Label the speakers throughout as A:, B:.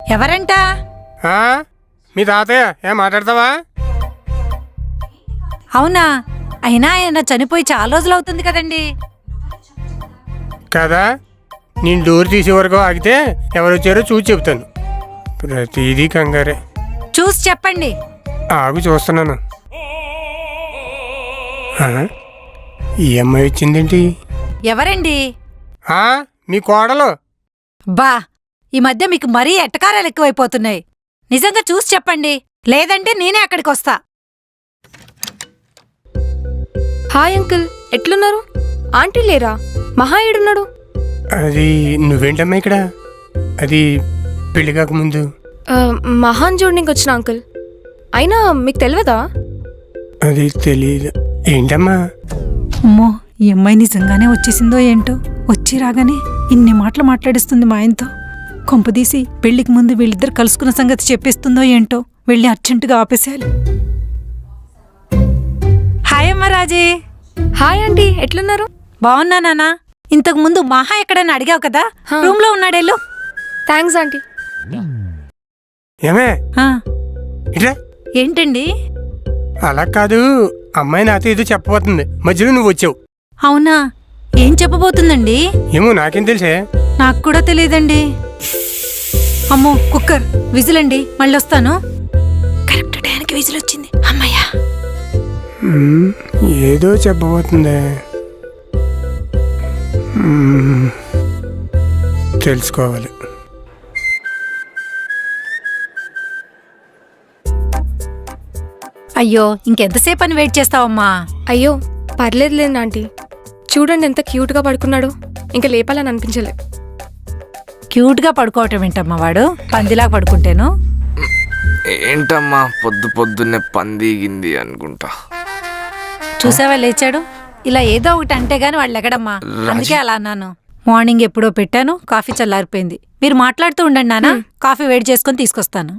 A: ఎవరంట?
B: మీ తాతయ్య. ఏం మాట్లాడతావా?
A: అవునా? అయినా ఆయన చనిపోయి చాలా రోజులు అవుతుంది కదండి.
B: కదా, నేను డోర్ తీసే వరకు ఆగితే ఎవరు వచ్చారో చూసి చెప్తాను. ప్రతిదీ కంగారే.
A: చూసి చెప్పండి.
B: ఆగు, చూస్తున్నాను. ఈ అమ్మాయి వచ్చిందేంటి?
A: ఎవరండి?
B: మీ కోడలు.
A: బా, ఈ మధ్య మీకు మరీ ఎట్టకారాలు ఎక్కువైపోతున్నాయి. నిజంగా చూసి చెప్పండి, లేదంటే నేనే అక్కడికి వస్తా.
C: హాయ్ అంకుల్, ఎట్లున్నారు? ఆంటీ లేరా? మహా ఏడున్నాడు?
B: అది నువ్వేంటమ్మా ఇక్కడ? అది పెళ్లి కాకముందు
C: మహాన్ చూడడానికి వచ్చిన అంకుల్. అయినా మీకు తెలియదా?
B: అది తెలీదు. ఏంటమ్మా?
A: అమ్మో, ఈ అమ్మాయి నిజంగానే వచ్చేసిందో ఏంటో. వచ్చి రాగానే ఇన్ని మాటలు మాట్లాడిస్తుంది మా ఆయనతో. కొంపదీసి పెళ్లికి ముందు వీళ్ళిద్దరు కలుసుకున్న సంగతి చెప్పేస్తుందో ఏంటో. వెళ్ళి అర్జెంటుగా ఆపేసేయాలి. హాయ్ అమ్మ రాజీ.
C: హాయ్ ఆంటీ, ఎట్లున్నారు?
A: బాగున్నా నాన్న. ఇంతకు ముందు మహా ఎక్కడైనా అడిగావు కదా, రూమ్ లో ఉన్నాడేళ్ళు.
C: Thanks aunty.
B: ఏమే ఇట్లా?
A: ఏంటండి?
B: అలా కాదు, అమ్మాయి నాతో ఏదో చెప్పబోతుంది, మధ్యలో నువ్వు వచ్చావు.
A: అవునా? ఏం చెప్పబోతుందండి?
B: ఏమో నాకేం తెలుసే.
A: నాకు కూడా తెలియదండి. అమ్మో, కుక్కర్ విజిలండి, మళ్ళీ వస్తాను. కరెక్ట్ టైంకి విజిల్ వచ్చింది. అమ్మయ్యా.
B: ఏదో చెప్పబోతుందే. తెలుసుకోవాలి.
A: అయ్యో, ఇంకెంతసేపు అని వెయిట్ చేస్తావమ్మా?
C: అయ్యో పర్లేదులేదు ఆంటీ. చూడండి ఎంత క్యూట్గా పడుకున్నాడు. ఇంకా లేపాలని అనిపించలే.
A: క్యూట్గా పడుకోవటం ఏంటమ్మా వాడు? పందిలా పడుకుంటేను.
D: ఏంటమ్మా పొద్దున్నే పందిగింది అనుకుంటా.
A: చూసావా లేచాడు. ఇలా ఏదో ఒకటి అంటే గాని వాళ్ళు ఎగడమ్మా. అందుకే అలా అన్నాను. మార్నింగ్ ఎప్పుడో పెట్టాను, కాఫీ చల్లారిపోయింది. మీరు మాట్లాడుతూ ఉండండి నాన్న, కాఫీ వేడి చేసుకొని తీసుకొస్తాను.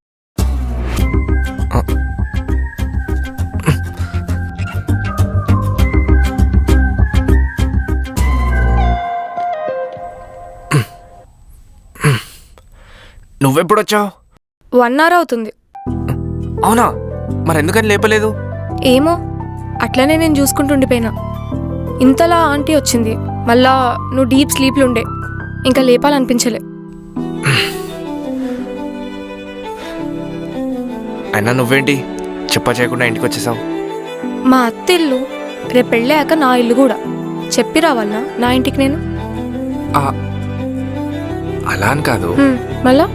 D: నువ్వెప్పుడొచ్చావు?
C: 1 hour అవుతుంది.
D: అవునా? మరెందుకని లేపలేదు?
C: ఏమో, అట్లనే నేను చూసుకుంటుండిపోయినా. ఇంతలా ఆంటీ వచ్చింది. మళ్ళా నువ్వు డీప్ స్లీప్లు ఉండే, ఇంకా లేపాలనిపించలే.
D: అయినా నువ్వేంటి చెప్పా చేయకుండా ఇంటికి వచ్చేసావు?
C: మా అత్త ఇల్లు రేపు పెళ్ళాక నా ఇల్లు కూడా. చెప్పి రావాలనా నా ఇంటికి నేను?
D: అలా అని కాదు.
C: మళ్ళా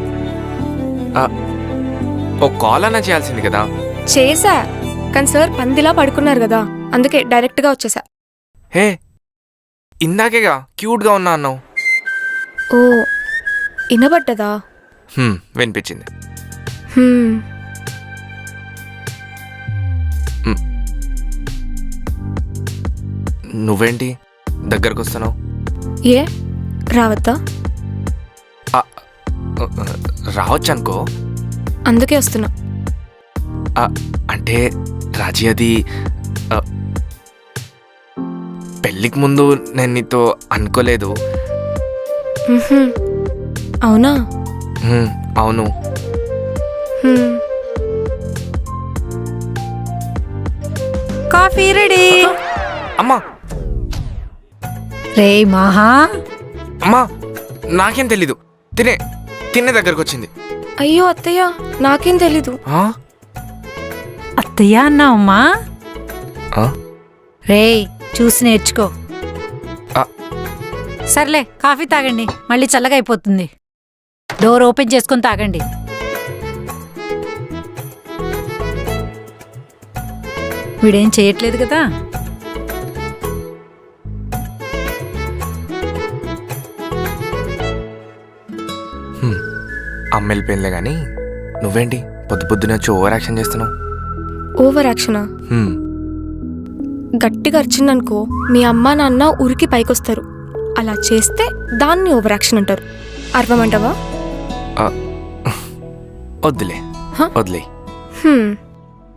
D: ఓ కాల్ అన్నా చేయాల్సింది కదా.
C: చేసా, కానీ సార్ పందిలా పడుకున్నారు కదా, అందుకే డైరెక్ట్గా వచ్చేసా.
D: హే, ఇందాకేగా క్యూట్గా ఉన్నా అన్నావు.
C: ఓ, వినబడ్డదా?
D: వినిపించింది. నువ్వేంటి దగ్గరకు వస్తున్నావు?
C: ఏ రావద్దా?
D: రావచ్చు అనుకో,
C: అందుకే వస్తున్నా.
D: అంటే రాజీ, అది పెళ్ళికి ముందు నేను నీతో అనుకోలేదు.
C: అవునా?
D: అవును.
A: Coffee ready.
D: అమ్మా
A: రే మహా.
D: అమ్మా, నాకేం తెలీదు. తినే దగ్గరకు వచ్చింది.
C: అయ్యో అత్తయ్య, నాకేం తెలీదు.
A: అత్తయ్య అన్నావమ్మా? రే, చూసి నేర్చుకో. సర్లే, కాఫీ తాగండి, మళ్ళీ చల్లగా అయిపోతుంది. డోర్ ఓపెన్ చేసుకొని తాగండి. వీడేం చేయట్లేదు కదా.
D: అమ్మ వెళ్ళిపోయిందిలే కానీ నువ్వేంటి పొద్దునే వచ్చి ఓవర్ యాక్షన్ చేస్తున్నావు?
C: ఓవర్ యాక్షనా? గట్టిగా అరిచిందనుకో మీ అమ్మ నాన్న ఉరికి పైకొస్తారు. అలా చేస్తే దాన్ని ఓవర్ యాక్షన్ అంటారు. అర్థమంటావా?
D: వద్దులే.